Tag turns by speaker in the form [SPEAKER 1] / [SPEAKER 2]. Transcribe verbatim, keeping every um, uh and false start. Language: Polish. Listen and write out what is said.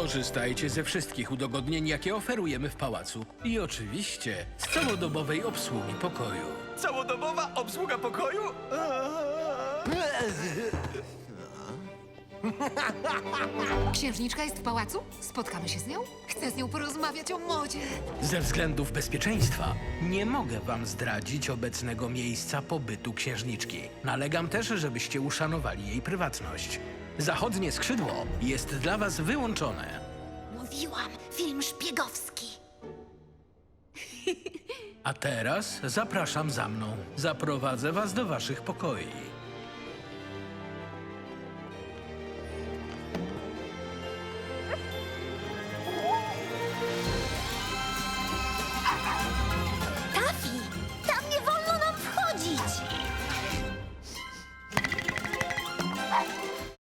[SPEAKER 1] Korzystajcie ze wszystkich udogodnień, jakie oferujemy w pałacu. I oczywiście z całodobowej obsługi pokoju.
[SPEAKER 2] Całodobowa obsługa pokoju?
[SPEAKER 3] Księżniczka jest w pałacu? Spotkamy się z nią? Chcę z nią porozmawiać o modzie.
[SPEAKER 1] Ze względów bezpieczeństwa nie mogę wam zdradzić obecnego miejsca pobytu księżniczki. Nalegam też, żebyście uszanowali jej prywatność. Zachodnie skrzydło jest dla was wyłączone.
[SPEAKER 3] Mówiłam, film szpiegowski.
[SPEAKER 1] A teraz zapraszam za mną. Zaprowadzę was do waszych pokoi.